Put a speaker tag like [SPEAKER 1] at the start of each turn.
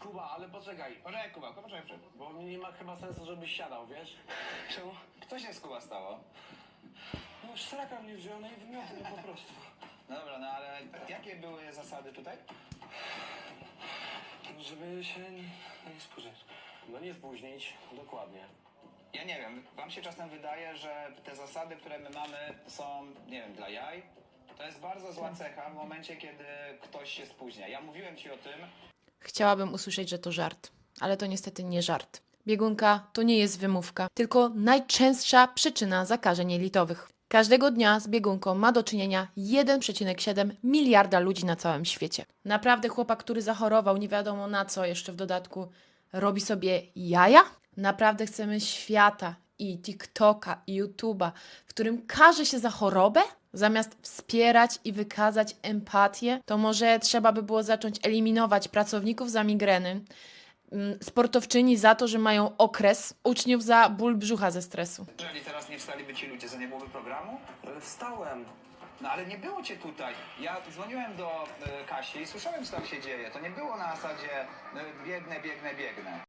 [SPEAKER 1] Kuba, ale poczekaj.
[SPEAKER 2] Poczekaj, Kuba, poczekaj.
[SPEAKER 1] Bo nie ma chyba sensu, żebyś siadał, wiesz?
[SPEAKER 2] Czemu? Co się z Kuba stało?
[SPEAKER 1] No straka mnie wziął, no i wymioty, no po prostu.
[SPEAKER 2] Dobra, no ale jakie były zasady tutaj?
[SPEAKER 1] Żeby się nie spóźnić. No nie spóźnić, dokładnie.
[SPEAKER 2] Ja nie wiem, wam się czasem wydaje, że te zasady, które my mamy, są, nie wiem, dla jaj? To jest bardzo zła cecha w momencie, kiedy ktoś się spóźnia. Ja mówiłem ci o tym.
[SPEAKER 3] Chciałabym usłyszeć, że to żart, ale to niestety nie żart. Biegunka to nie jest wymówka, tylko najczęstsza przyczyna zakażeń jelitowych. Każdego dnia z biegunką ma do czynienia 1,7 miliarda ludzi na całym świecie. Naprawdę chłopak, który zachorował nie wiadomo na co, jeszcze w dodatku robi sobie jaja? Naprawdę chcemy świata i TikToka i YouTube'a, w którym każe się za chorobę? Zamiast wspierać i wykazać empatię, to może trzeba by było zacząć eliminować pracowników za migreny, sportowczyni za to, że mają okres, uczniów za ból brzucha ze stresu.
[SPEAKER 2] Jeżeli teraz nie wstaliby ci ludzie, to nie byłoby programu?
[SPEAKER 1] Ale wstałem.
[SPEAKER 2] No ale nie było cię tutaj. Ja dzwoniłem do Kasi i słyszałem, co tam się dzieje. To nie było na zasadzie biegnę.